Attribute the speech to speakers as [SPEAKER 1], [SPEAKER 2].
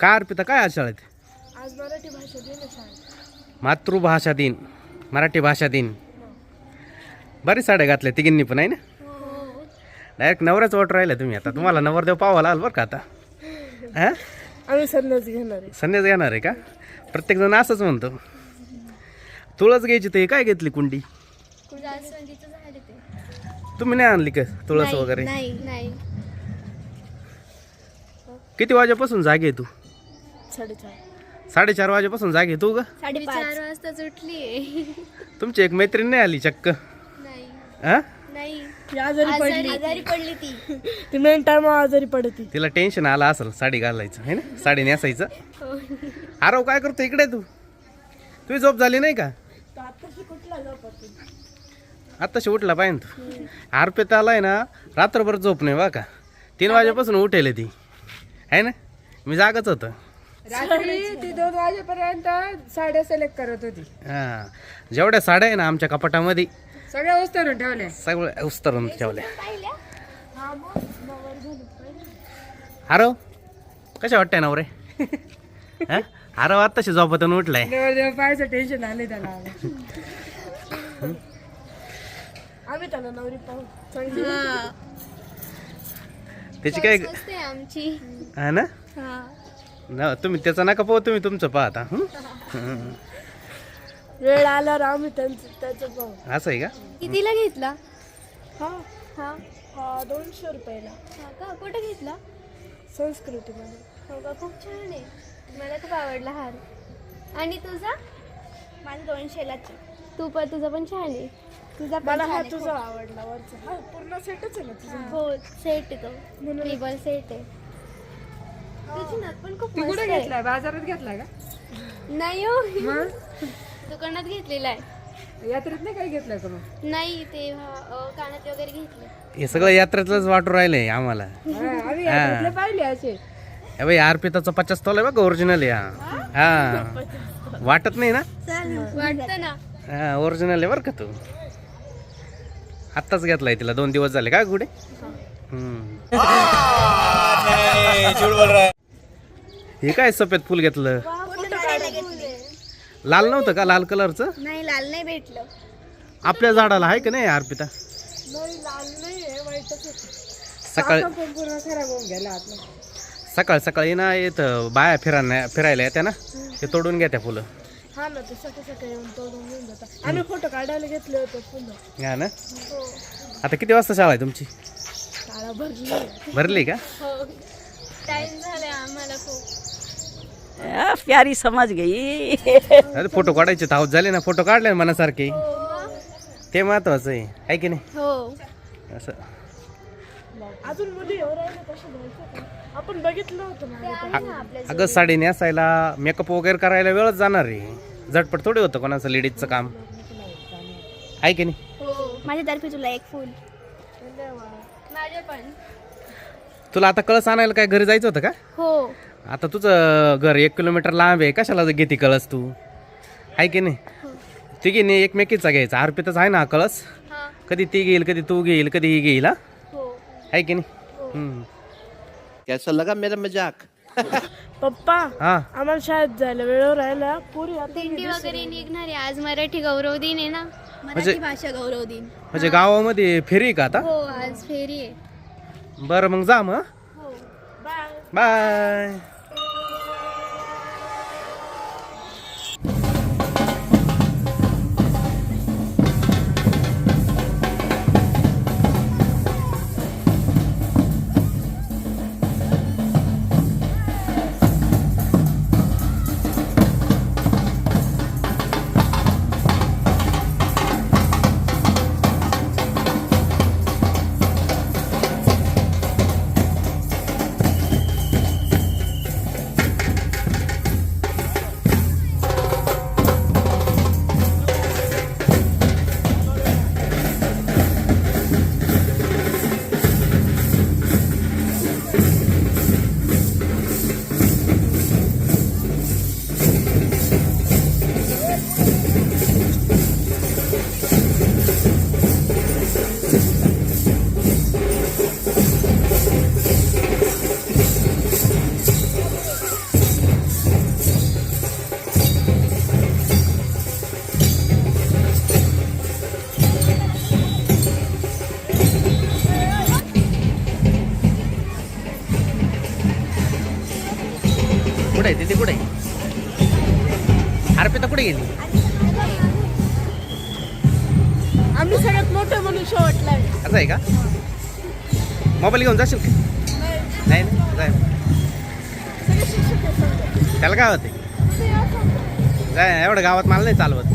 [SPEAKER 1] काय अर्पिता काय आज शाळेत?
[SPEAKER 2] आज मराठी भाषा दिन आहे शाळेत.
[SPEAKER 1] मातृभाषा दिन, मराठी भाषा दिन. बरीच साड्या घातल्या तिघींनी पण आहे ना. डायरेक्ट नवऱ्याच वाट राहिला तुम्ही. आता तुम्हाला नवरदेव पावाला आल बरं का आता. हा
[SPEAKER 2] आम्ही संन्यास घेणार आहे.
[SPEAKER 1] संन्यास घेणार आहे का? प्रत्येक जण असंच म्हणतो. तुळस घ्यायची ते काय घेतली कुंडी? तुम्ही नाही आणली का तुळस वगैरे?
[SPEAKER 3] नाही.
[SPEAKER 1] किती वाजेपासून जागे तू?
[SPEAKER 2] 4:30.
[SPEAKER 1] 4:30 वाजेपासून जागे तू ग?
[SPEAKER 3] 4:30 वाजताच उठली.
[SPEAKER 1] तुमची एक मैत्रीण नाही आली चक्क?
[SPEAKER 3] नाही
[SPEAKER 1] हा
[SPEAKER 3] नाही
[SPEAKER 2] ती आजारी
[SPEAKER 3] पडली ती.
[SPEAKER 2] ती मेन टाइम आजारी पडती.
[SPEAKER 1] तिला टेन्शन आलं असेल साडी घालायचं है ना, साडी नेसायचं. आरव काय करतो इकडे? तुझी झोप झाली नाही का? आत्ताशी उठला पाहिजे तू. अर्पिताला आहे ना रात्रभर झोप नाही बा का. 3 वाजेपासून उठेल ती आहे ना. मी जागच होतं.
[SPEAKER 2] रात्री ती 2 वाजेपर्यंत साड्या सिलेक्ट करत होती.
[SPEAKER 1] हा जेवढ्या साड्या आहे ना आमच्या कपाटामध्ये
[SPEAKER 2] सगळ्या उस्तरून ठेवल्या.
[SPEAKER 1] सगळ्या उस्तरून ठेवल्या. आरव कशा वाटतंय नवरे? हा आरव आत्ताशी झोपातून उठलाय.
[SPEAKER 2] देव पाहायचं टेन्शन आले त्याला. आम्ही त्याला नवरी पाहू चांगली.
[SPEAKER 1] त्याची काय
[SPEAKER 3] स्वस्त आहे आमची.
[SPEAKER 1] हा ना. ना तुम्ही त्याचा नका पाहू, तुम्ही तुमचं पाहता.
[SPEAKER 2] वेळ आल्यावर आम्ही त्याचं पाहू.
[SPEAKER 1] असं आहे का?
[SPEAKER 3] कितीला घेतला?
[SPEAKER 2] हा
[SPEAKER 3] हा
[SPEAKER 2] 200 रुपयाला.
[SPEAKER 3] हा का? कुठे घेतला?
[SPEAKER 2] संस्कृतीमध्ये.
[SPEAKER 3] हो का? खूप छान आहे. मला खूप आवडला हार. आणि तुझा?
[SPEAKER 4] माझं 200लाच.
[SPEAKER 3] तुझा पण छान आहे.
[SPEAKER 4] तुझा
[SPEAKER 2] मला हा तुझा आवडला वरचा. हा पूर्ण सेटच आहे ना तुझा.
[SPEAKER 3] हो सेट आहे तो. ट्रिबल सेट आहे. तुझी नथ पण खूप
[SPEAKER 2] ती
[SPEAKER 3] मस्त
[SPEAKER 2] कुठे
[SPEAKER 3] आहे.
[SPEAKER 2] घेतलाय? बाजारात घेतलाय का?
[SPEAKER 3] नाही हो
[SPEAKER 2] मग
[SPEAKER 3] दुकानात घेतलेला आहे.
[SPEAKER 2] यात्रेत नाही काय घेतलंय का मग?
[SPEAKER 3] नाही ते कानातले वगैरे घेतले.
[SPEAKER 1] हे सगळं यात्रेतलंच वाटू राहिलंय आम्हाला.
[SPEAKER 2] आम्ही यात्रेतले पाहिले असे.
[SPEAKER 1] भाई अर्पिताचं 50 तोल आहे बघ ओरिजिनल आहे. हा वाटत नाही ना.
[SPEAKER 3] वाटतं ना.
[SPEAKER 1] हा ओरिजिनल आहे बरं का तू. आत्ताच घेतलाय तिला 2 दिवस झाले का कुठे. हे काय सफेद फुल घेतलं? लाल नव्हतं का? लाल कलरचं
[SPEAKER 4] नाही, लाल नाही भेटलं.
[SPEAKER 1] आपल्या झाडाला आहे का नाही अर्पिता?
[SPEAKER 2] नाही लाल नाही आहे, वाईटच होतं.
[SPEAKER 1] सकाळी
[SPEAKER 2] पण पूर्ण खराब होऊन गेला आतला.
[SPEAKER 1] सकाळी ना येतं बाया फिरायला येत्या ना, ते तोडून घ्या त्या फुलं.
[SPEAKER 2] हा ना ते सकाळी येऊन तोडून घेऊन जातात. आम्ही फोटो काढायला घेतले होते फुलं.
[SPEAKER 1] हा ना. आता किती वाजता शाळा आहे तुमची?
[SPEAKER 2] शाळा भरली.
[SPEAKER 1] भरली का?
[SPEAKER 3] हो टाइम झालाय आम्हाला खूप.
[SPEAKER 5] प्यारी समझ गई.
[SPEAKER 1] अरे फोटो काढायचे धावत झाले ना. फोटो काढले ना मनासारखे. ते महत्वाचं आहे की नाही?
[SPEAKER 3] हो
[SPEAKER 1] असं
[SPEAKER 2] अजून मुली एवढं राहिले तसे जायचं का? आपण बघितलं होतं मागे.
[SPEAKER 1] अगं साडी नेसायला मेकअप वगैरे करायला वेळच जाणार आहे. झटपट थोडी होतं कोणाचं लेडीजचं काम आहे की नाही?
[SPEAKER 3] हो
[SPEAKER 4] माझ्यातर्फे तुला एक फुल.
[SPEAKER 3] माझे पण.
[SPEAKER 1] तुला आता कळस आणायला काय घरी जायचं होतं का?
[SPEAKER 3] हो
[SPEAKER 1] आता तुझं घर 1 किलोमीटर लांब आहे. कशाला घेते कळस तू? आहे की नाही? तिघीने एकमेकीचा घ्यायचा. अर्पितच आहे ना हा कळस.
[SPEAKER 3] हा
[SPEAKER 1] कधी ती घेईल, कधी तू घेईल, कधी ही घेईल. हा
[SPEAKER 3] हो
[SPEAKER 1] आहे की नाही?
[SPEAKER 6] कैसा लगा मेरा मजाक?
[SPEAKER 2] पप्पा
[SPEAKER 1] हा
[SPEAKER 2] आम्हाला शाळेत जायला वेळेवर राहिला. पुरी आता
[SPEAKER 3] दिंडी वगैरे निघणार आहे. आज मराठी गौरव दिन आहे ना.
[SPEAKER 4] मराठी भाषा गौरव दिन.
[SPEAKER 1] म्हणजे गावामध्ये फेरी आहे का आता?
[SPEAKER 3] हो आज फेरी आहे.
[SPEAKER 1] बरं मग जा मग.
[SPEAKER 3] हो
[SPEAKER 1] बाय. अर्पिता कुठे गेली?
[SPEAKER 2] आम्ही सगळ्यात मोठं म्हणून शेवटला आहे.
[SPEAKER 1] असं आहे का? मोबाईल घेऊन जाशील का? नाही ना जाय.
[SPEAKER 2] सगळे शिक्षक आहे समजा.
[SPEAKER 1] त्याला काय होते?
[SPEAKER 2] ते असं
[SPEAKER 1] जाय एवढं गावात मला नाही चालवत.